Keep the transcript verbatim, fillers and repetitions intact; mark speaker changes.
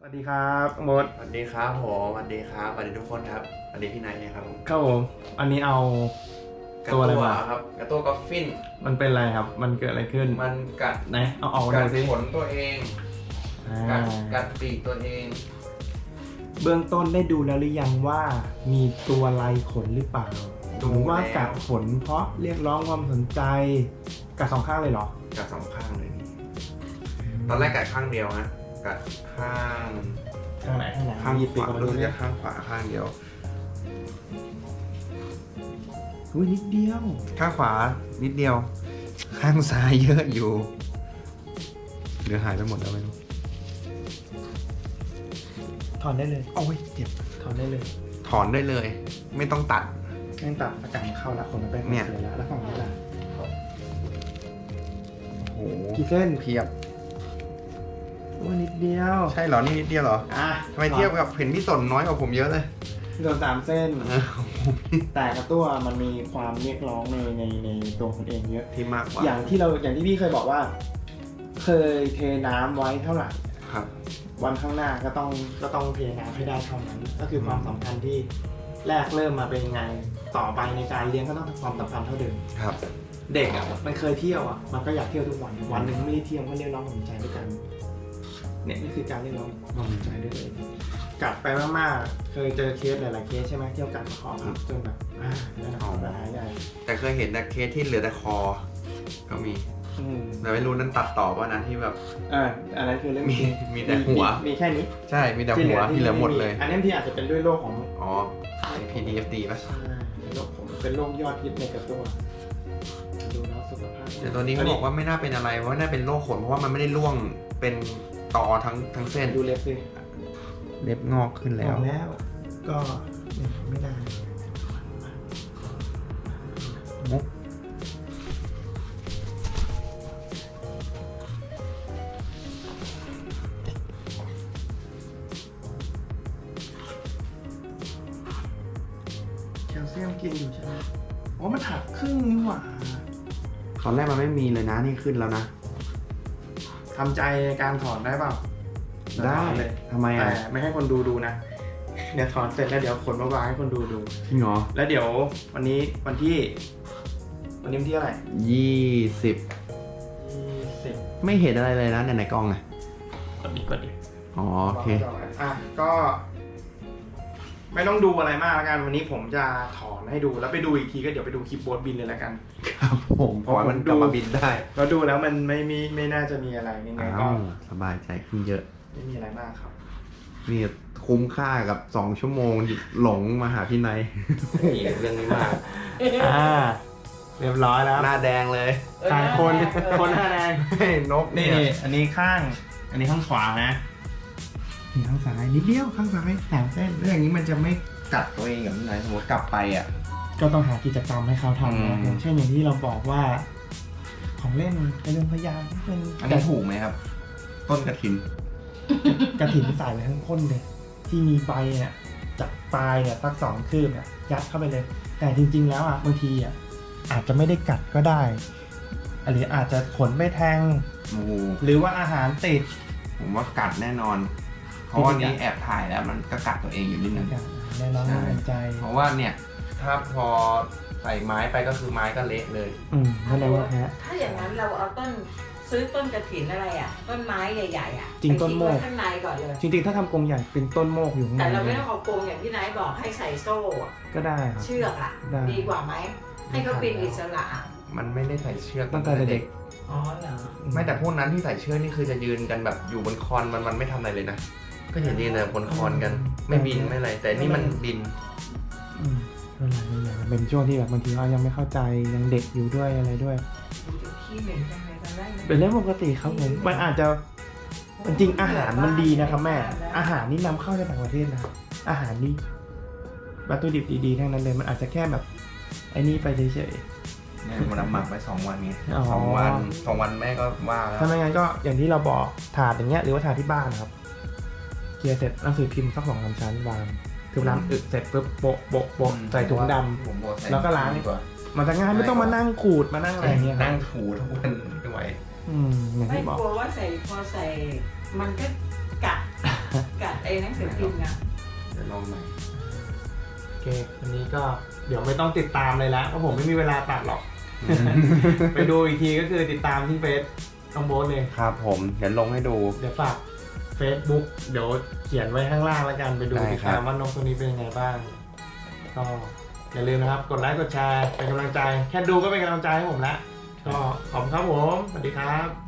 Speaker 1: วัสดีครับมด
Speaker 2: สวัสดีครับผมสวัสดีครับสวัสดีทุกคนครับสวัสดีพี่นายนะครับผม
Speaker 1: ครับผมอันนี้เอา
Speaker 2: ตัวอะไรมาครับกระตัวกอฟฟิน
Speaker 1: มันเป็นอะไรครับมันเกิดอะไรขึ้น
Speaker 2: มันกัด
Speaker 1: ไหนเอาเอา
Speaker 2: กัด
Speaker 1: ดูสิ
Speaker 2: ขนตัวเองกัดกัดปีกตัวเอง
Speaker 1: เบื้องต้นได้ดูแล้วหรือยังว่ามีตัวลายขนหรือเปล่าหรือว่ากัดขนเพราะเรียกร้องความสนใจกัดสองข้างเลยเหรอ
Speaker 2: กัดสองข้างเลยนี่ตอนแรกกัดข้างเดียวฮะกัดข้าง
Speaker 1: ข้างไหนข้างไหน
Speaker 2: ข้างขวารู้สึกจะข้างขวาข้างเดียว
Speaker 1: อุ้ยนิดเดียว
Speaker 2: ข้างขวานิดเดียวข้างซ้ายเยอะอยู่หรือหายไปหมดแล้วไม่รู้
Speaker 1: ถอนได้เลย
Speaker 2: โอ้ยเจ็บ
Speaker 1: ถอนได้เลย
Speaker 2: ถอนได้เลย ไม่ต้องตัด
Speaker 1: ไม่ต้องตัดอากาศเข้าแล้วขนมันไปเนี่ยแล้วแล้วฝั่งนี้ล่ะ
Speaker 2: โอ้โห
Speaker 1: กี่เส้น
Speaker 2: เพียบ
Speaker 1: ว่านิดเดียว
Speaker 2: ใช่เหรอนี่นิดเดียวเหรออ่ะทำไมเทียบกับเห็นพี่สนน้อยกว่าผมเยอะเลย
Speaker 1: โดนสามเส้นแต่กระตัวมันมีความเรียกร้องในในในตัวคนเองเยอะ
Speaker 2: ที่มากกว่า
Speaker 1: อย่างที่เราอย่างที่พี่เคยบอกว่า เคยเทน้ำไว้เท่าไหร่
Speaker 2: ครับ
Speaker 1: วันข้างหน้าก็ต้องก็ต้องเทน้ำให้ได้เท่านั้นก็คือความสำคัญที่แรกเริ่มมาเป็นยังไงต่อไปในการเลี้ยงก็ต้องความสำคัญเท่าเดิม
Speaker 2: ครับ
Speaker 1: เด็กอ่ะมันเคยเที่ยวอ่ะมันก็อยากเที่ยวทุกวันวันหนึ่งไม่ได้เที่ยวก็เรียกร้องความสนใจด้วยกันเนี่ยนี่คือการเรียกร้องความสนใจด้วยเลยกัดไปมากๆเคยเจอเคสหลายๆเคสใช่ไหมเที่ยวกัดคอครับจนแบบอ่าแล้วนะปัญหาใหญ่
Speaker 2: แต่เคยเห็นแต่เคสที่เหลือแต่คอก็มีแต่ไม่รู้นั้นตัดต่อป่ะนะที่แบบ
Speaker 1: อ่าอันนั้นคือเรื่อง
Speaker 2: มีมีแต่หัว
Speaker 1: มีแค่นี้
Speaker 2: ใช่มีแต่หัวที่เหลือหมดเลย
Speaker 1: อันนี้ที่อาจจะเป็นด้วยโรคของ
Speaker 2: อ๋อ พี ดี เอฟ ดี ป่ะ
Speaker 1: ใช่เป็นโรคผมเป็นโรคยอดฮิตในกระตัวดูแล้วสุขภาพ
Speaker 2: แต่ตัวนี้เขาบอกว่าไม่น่าเป็นอะไรเพราะน่าเป็นโรคขนเพราะว่ามันไม่ได้ร่วงเป็นตอทั้งทั้งเส้น
Speaker 1: ดูเล็บสิ
Speaker 2: เล็บงอกขึ้นแล้ว
Speaker 1: แล้วก็ไม่ได้
Speaker 2: มุก
Speaker 1: แคลเซียมกินอยู่ใช่ไหมอ๋อมันหักครึ่งนี่หว่า
Speaker 2: ตอนแรกมันไม่มีเลยนะนี่ขึ้นแล้วนะ
Speaker 1: ทำใจการถอนได้เปล่า
Speaker 2: ได้
Speaker 1: เลย
Speaker 2: ทำไมอ่ะ
Speaker 1: แต่ไม่ให้คนดูดูนะเดี๋ยวถอนเสร็จแล้วเดี๋ยวขนมาวางให้คนดูดู
Speaker 2: จริงเหรอ
Speaker 1: แล้วเดี๋ยววันนี้วันที่วันนี้วันที่เท่าไหร่
Speaker 2: ยี่สิบ
Speaker 1: ยี่สิบ
Speaker 2: ไม่เห็นอะไรเลยนะในในกล้องไง
Speaker 1: กดดิกดดิ
Speaker 2: อ๋อโอเค
Speaker 1: อ่ะก็ไม่ต้องดูอะไรมากแล้วกันวันนี้ผมจะถอนให้ดูแล้วไปดูอีกทีก็เดี๋ยวไปดูคลิปโบ๊ทบินเลยแล้วกัน
Speaker 2: ครับผมเพราะมันกลับมาบินได้
Speaker 1: เราดูแล้วมันไม่มีไม่น่าจะมีอะไรยังไงก็
Speaker 2: สบายใจขึ้นเยอะ
Speaker 1: ไม่มีอะไรมากครับ
Speaker 2: นี่คุ้มค่ากับสองชั่วโมงหลงมาหาพี่นายเรื่องนี้มาก
Speaker 1: อ่าเรียบร้อยแล้ว
Speaker 2: หน้าแดงเลย
Speaker 1: ทางคนคนหน้าแดง
Speaker 2: นก
Speaker 1: นี่อันนี้ข้างอันนี้ข้างขวานะนี่ข้างซ้ายนิดเดียวข้างซ้ายแถมเส้น
Speaker 2: เรื่องนี้มันจะไม่กัดตัวเองกับพี่นายสมมติกลับไปอ่ะ
Speaker 1: ก็ต้องหากิจกรรมให้เขาทำนะอย่างเช่นอย่างที่เราบอกว่าของเล่นกระเรื่องพยานเป็น
Speaker 2: อันนี้ถูกไหมครับต้นกระถิน
Speaker 1: กระถินใส่ไปทั้งก้นเลยที่มีใบเนี่ยจากปลายเนี่ยสักสองคืบเนี่ยยัดเข้าไปเลยแต่จริงๆแล้วอ่ะบางทีอ่ะอาจจะไม่ได้กัดก็ได้หรืออาจจะขนไม่แทงหรือว่าอาหารติด
Speaker 2: ผมว่ากัดแน่นอนเพราะว่านี้แอบถ่ายแล้วมันก็กัดตัวเองอยู่นิดนึง
Speaker 1: แน่นอนน่าใจ
Speaker 2: เพราะว่าเนี่ยถ้าพอใส่ไม้ไปก็คือไม้ก็เละเลย
Speaker 1: อืมนั่นแหละว่าแพ้
Speaker 3: ถ้าอย่างนั้นเราเอาต้นซื้อต้นกระถินอะไรอ่ะต้นไม้ใหญ่ๆอ่ะ
Speaker 1: จริงต้นโมก
Speaker 3: ข้างในก่อนเลย
Speaker 1: จริงๆถ้าทำกรงใหญ่เป็นต้นโมกอยู่ข้างใน
Speaker 3: แต่เราไม่ต้องเอากรงอย่างที่นายบอกให้ใส่โซ่
Speaker 1: ก็ได้
Speaker 3: เชือกอ่ะดีกว่าไหมให้เขาปีนอิสระ
Speaker 2: มันไม่ได้ใส่เชือก
Speaker 1: ตั้งแต่เด็ก
Speaker 3: อ๋อเหรอ
Speaker 2: ไม่แต่พวกนั้นที่ใส่เชือกนี่คือจะยืนกันแบบอยู่บนคอนมันมันไม่ทำอะไรเลยนะก็เห็นยืนแต่บนคอนกันไม่บินไม่อะไรแต่นี่มันบิน
Speaker 1: อืมอะไรนี่อย่างเป็นช่วงที่แบบบางทีเรายังไม่เข้าใจยังเด็กอยู่ด้วยอะไรด้วยเป็นเรื่องปกติครับผมมันอาจจะจริงอาหารมันดีนะครับแม่อาหารนี่นำเข้าจากต่างประเทศนะอาหารนี่วัตถุดิบดีๆทั้งนั้นเลยมันอาจจะแค่แบบไอ้นี่ไปเฉยๆ
Speaker 2: เนี่ยมันหมักไปสองวันไงสองวันสองวันแม่ก็ว่าแล้ว
Speaker 1: ถ้าไม่งั้นก็อย่างที่เราบอกถาดอย่างเงี้ยหรือว่าถาดที่บ้านนะครับเกียร์เสร็จหนังสือพิมพ์สักสองสามชั้นวางคือล้างอึเสร็จปุ๊บโปะโปะโปะใส่ถุงดำแล้วก็ล้างดีกว่ามันจะง่ายไม่ต้องมานั่งขูดมานั่งอะไรเงี้ย
Speaker 2: นั่งถูทุกวันไม่ไหว
Speaker 3: ไม่กลัวว่าใส่พอใส่มันก็กัดกัดอ้หนังสือพิมพ์นะ
Speaker 2: เดี๋ยวลองใหม่
Speaker 1: โอเควันนี้ก็เดี๋ยวไม่ต้องติดตามเลยแล้วเพราะผมไม่มีเวลาตัดหรอก ไปดูอีกทีก็คือติดตามที่เฟซน้องโบ๊ทเลย
Speaker 2: ครับผมเดี๋ยวลงให้ดู
Speaker 1: เดี๋ยวฝาก Facebook เดี๋ยวเขียนไว้ข้างล่างแล้วกันไปดู
Speaker 2: ได้
Speaker 1: ติด
Speaker 2: ครับ
Speaker 1: ตามว่านกตัวนี้เป็นยังไงบ้างก็อย่าลืมนะครับกดไลค์กดแชร์เป็นกำลังใจ แค่ดูก็เป็นกำลังใจให้ผมแล้วก็ขอบคุณครับผมสวัสดีครับ